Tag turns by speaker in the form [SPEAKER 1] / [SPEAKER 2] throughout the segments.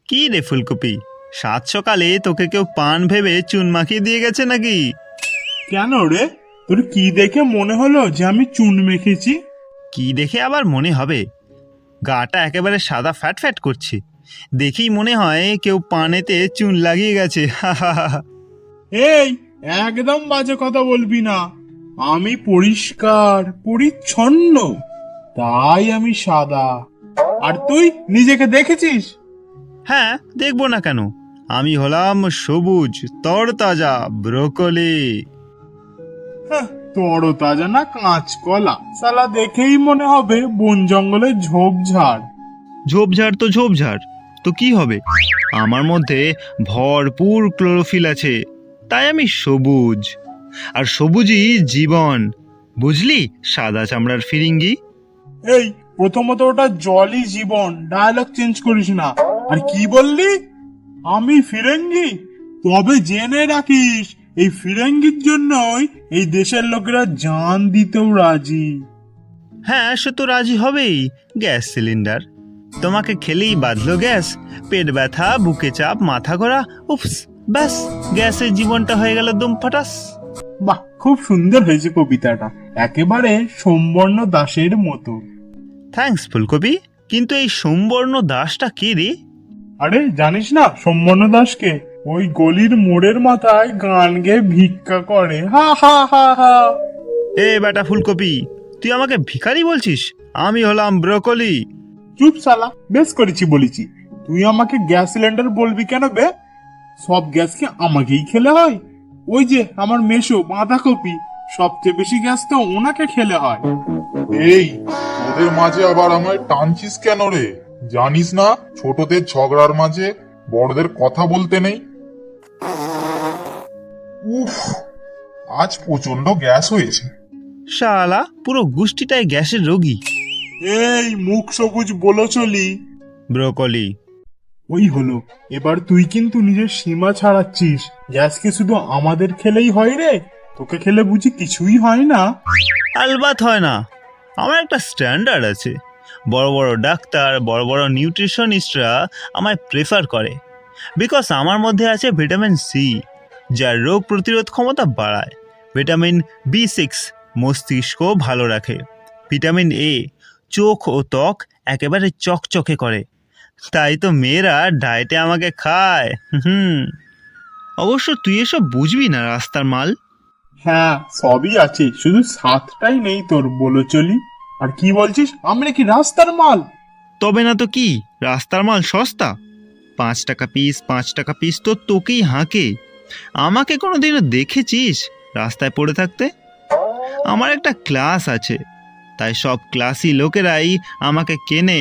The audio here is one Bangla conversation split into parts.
[SPEAKER 1] কি রে ফুলকপি, সাত সকালে তোকে কেউ পান ভেবে চুন মাখিয়ে দিয়ে গেছে নাকি?
[SPEAKER 2] কেন রে, তোর কি দেখে মনে হলো যে আমি চুন মেখেছি?
[SPEAKER 1] কি দেখে আবার মনে হবে? গাটা একেবারে সাদা ফ্যাট ফ্যাট করছে, দেখেই মনে হয় কেউ পানেতে চুন লাগিয়ে গেছে।
[SPEAKER 2] এই, একদম বাজে কথা বলবি না। আমি পরিষ্কার পরিচ্ছন্ন, তাই আমি সাদা। আর তুই নিজেকে দেখেছিস?
[SPEAKER 1] হ্যাঁ, দেখবো না কেন? আমি হলাম সবুজ তরতাজা ব্রোকলি।
[SPEAKER 2] তরতাজা না কাঁচকলা, সালা দেখেই মনে হবে বন জঙ্গলের ঝোপঝাড়।
[SPEAKER 1] ঝোপঝাড় তো ঝোপঝাড়, তো কি হবে? আমার মধ্যে ভরপুর ক্লোরোফিল আছে, তাই আমি সবুজ। আর সবুজই জীবন, বুঝলি সাদা চামড়ার ফিরিঙ্গি?
[SPEAKER 2] এই, প্রথমত ওটা জলই জীবন, ডায়লগ চেঞ্জ করিস না। আর কি বললি? আমি ফিরেঙ্গি? তবে জেনে রাখিস, এই ফিরেঙ্গির জন্যই এই দেশের লোকেরা জান দিতেও রাজি।
[SPEAKER 1] হ্যাঁ, সে তো রাজি হবেই। গ্যাস সিলিন্ডার তোমাকে খেলেই বাঁধলো গ্যাস, পেট ব্যথা, বুকে চাপ, মাথা ঘোরা, উপস, ব্যাস গ্যাসের জীবনটা হয়ে গেল দম ফাটাস।
[SPEAKER 2] বাহ, খুব সুন্দর হয়েছে কবিতাটা, একেবারে সোমবর্ণ দাসের মতো।
[SPEAKER 1] থ্যাঙ্কস ফুলকপি, কিন্তু এই সোমবর্ণ দাসটা কে রে?
[SPEAKER 2] আরে জানিস না সোমবর্ণ দাসকে? ওই গলির মোড়ের মাথায় গান গেয়ে ভিক্ষা করে, হা হা হা হা।
[SPEAKER 1] এ বেটা ফুলকপি, তুই আমাকে ভিখারি বলছিস? আমি হলাম ব্রোকলি।
[SPEAKER 2] চুপ শালা, বেশ করেছি বলেছি। তুই আমাকে গ্যাস সিলিন্ডার বলবি কেন বে? সব গ্যাস কি আমাকেই খেলে হয়? ওই যে আমার মেশো বাঁধাকপি, সবচেয়ে বেশি গ্যাস তো ওনাকে খেলে হয়।
[SPEAKER 3] এই, ওদের মাঝে আবার আমায় টানছিস কেন রে? জানিস না ছোটদের ঝগড়ার মাঝে বড়দের কথা বলতে নেই। উফ, আজ প্রচন্ড গ্যাস হয়েছে।
[SPEAKER 1] শালা পুরো গোষ্ঠীটাই গ্যাসের রোগী।
[SPEAKER 2] এই মুখ সবুজ বলো চলি।
[SPEAKER 1] ব্রোকলি।
[SPEAKER 2] ওই হলো, এবার তুই কিন্তু নিজের সীমা ছাড়াচ্ছিস। গ্যাস কি শুধু আমাদের খেলেই হয় রে? তোকে খেলে বুঝি কিছুই হয় না?
[SPEAKER 1] আলবাত হয় না, আমার একটা স্ট্যান্ডার্ড আছে। বড় বড় ডাক্তার, বড় বড় নিউট্রিশনিস্টরা আমায় প্রেফার করে, বিকজ আমার মধ্যে আছে ভিটামিন সি, যা রোগ প্রতিরোধ ক্ষমতা বাড়ায়। ভিটামিন B6 মস্তিষ্ক ভালো রাখে। ভিটামিন এ চোখ ও ত্বক একেবারে চকচকে করে। তাই তো মেয়েরা ডায়েটে আমাকে খায়। অবশ্য তুই এসব বুঝবি না, রাস্তার মাল।
[SPEAKER 2] হ্যাঁ, সবই আছে, শুধু সাতটাই নেই তোর, বলো চলি। আর কি বলছিস, আমি নাকি রাস্তার মাল?
[SPEAKER 1] তবে না তো কি, রাস্তার মাল সস্তা, 5 টাকা পিস, 5 টাকা পিস তো তোকেই হাঁকে। আমাকে কোনোদিনও দেখেছিস রাস্তায় পড়ে থাকতে? আমার একটা ক্লাস আছে, তাই সব ক্লাসি লোকেরাই আমাকে কেনে।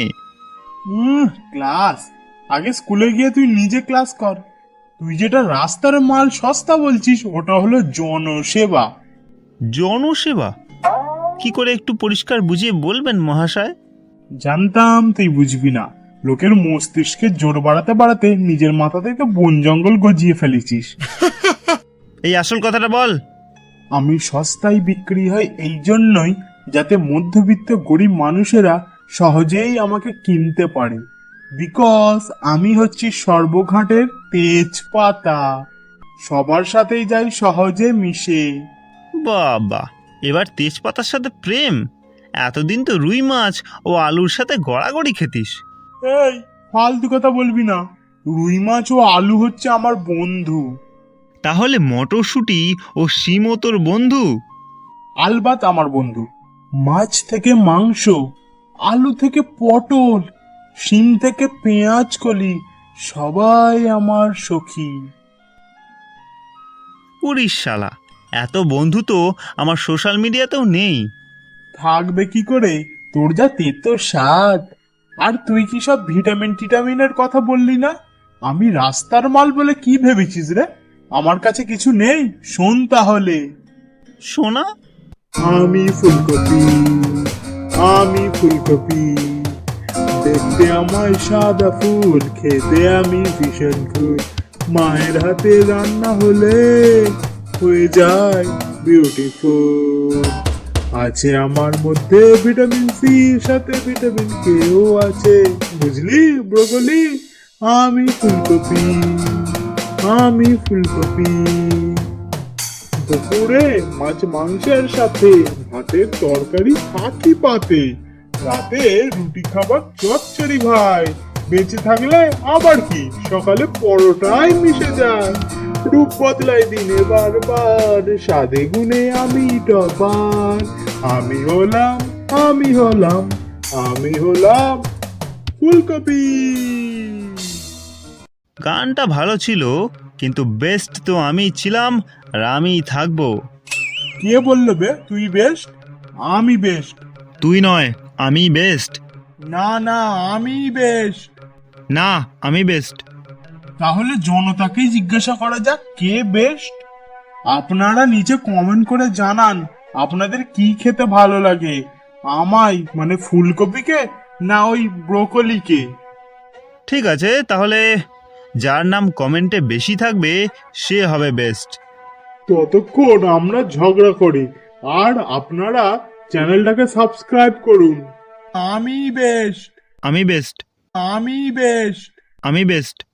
[SPEAKER 2] ক্লাস? আগে স্কুলে গিয়ে তুই নিজে ক্লাস কর। তুই যেটা রাস্তার মাল সস্তা বলছিস, ওটা হলো জনসেবা।
[SPEAKER 1] জনসেবা? কি করে একটু পরিষ্কার বুঝিয়ে বলবেন মহাশয়?
[SPEAKER 2] জানতাম তুই বুঝবি না। লোকের মস্তিষ্কে জোর বাড়াতে বাড়াতে নিজের মাথাতেই তো বন জঙ্গল গজিয়ে ফেলেছিস।
[SPEAKER 1] এই আসল কথাটা বল।
[SPEAKER 2] আমি সস্তায় বিক্রি হয় এই জন্যই, যাতে মধ্যবিত্ত গরিব মানুষেরা সহজেই আমাকে কিনতে পারে। বিকজ আমি হচ্ছি সর্বঘাটের তেজপাতা, সবার সাথেই যাই সহজে মিশে।
[SPEAKER 1] বাবা, এবার তেজপাতার সাথে প্রেম? এতদিন তো রুই মাছ ও আলুর সাথে গড়াগড়ি খেতিস।
[SPEAKER 2] এই, ফালতু কথা বলবি না। রুই মাছ ও আলু হচ্ছে আমার বন্ধু।
[SPEAKER 1] তাহলে মটরশুঁটি ও শিমও তোর বন্ধু?
[SPEAKER 2] আলবাত আমার বন্ধু। মাছ থেকে মাংস, আলু থেকে পটল, শিম থেকে পেঁয়াজ কলি, সবাই আমার সখী।
[SPEAKER 1] উড়িস শালা, এত বন্ধু তো আমার সোশ্যাল মিডিয়াতেও নেই।
[SPEAKER 2] থাকবে কি করে, তোর যা তেতো স্বাদ। আর তুই কি সব ভিটামিন টিটামিনের কথা বললি না? আমি রাস্তার মাল বলে কি ভেবেছিস রে? আমার কাছে কিছু নেই, শোন তাহলে।
[SPEAKER 1] সোনা?
[SPEAKER 2] আমি ফুলকপি, আমি ফুলকপি, দেখতে আমায় সাদা ফুল, খেতে আমি ভীষণ ফুল। মায়ের হাতে রান্না হলে হয়ে যায় বিউটিফুল। আছে আমার মধ্যে ভিটামিন সি, সাথে ভিটামিন কেও আছে, বুঝলি ব্রোকলি? আমি ফুলকপি, আমি ফুলকপি। দুপুরে মাছ মাংসের সাথে ভাতের তরকারি থাকি পাতে, রাতে রুটি খাবার চচ্চড়ি ভাই, বেঁচে থাকলে আবার কি সকালে পরোটাই মিশে যায়। রূপ বদলাই দিনে বারবার, স্বাদে গুণে আমি টপার। আমি হলাম, আমি হলাম, আমি হলাম ফুলকপি।
[SPEAKER 1] গানটা ভালো ছিল, কিন্তু বেস্ট তো আমি ছিলাম আর আমিই থাকবো।
[SPEAKER 2] কে বললো বে তুই বেস্ট? আমি বেস্ট।
[SPEAKER 1] তুই নয়, আমি বেস্ট।
[SPEAKER 2] না না, আমি বেস্ট।
[SPEAKER 1] না, আমি বেস্ট।
[SPEAKER 2] তাহলে জনতাকেই জিজ্ঞাসা করা যাক কে বেস্ট। আপনারা নিচে কমেন্ট করে জানান আপনাদের কি খেতে ভালো লাগে, আমায় মানে ফুলকপিকে না ওই ব্রোকলিকে।
[SPEAKER 1] ঠিক আছে, তাহলে যার নাম কমেন্টে বেশি থাকবে সে হবে বেস্ট।
[SPEAKER 2] ততক্ষণ আমরা ঝগড়া করি আর আপনারা চ্যানেলটাকে সাবস্ক্রাইব করুন। আমি বেস্ট,
[SPEAKER 1] আমি বেস্ট।
[SPEAKER 2] আমি বেস্ট।
[SPEAKER 1] আমি বেস্ট।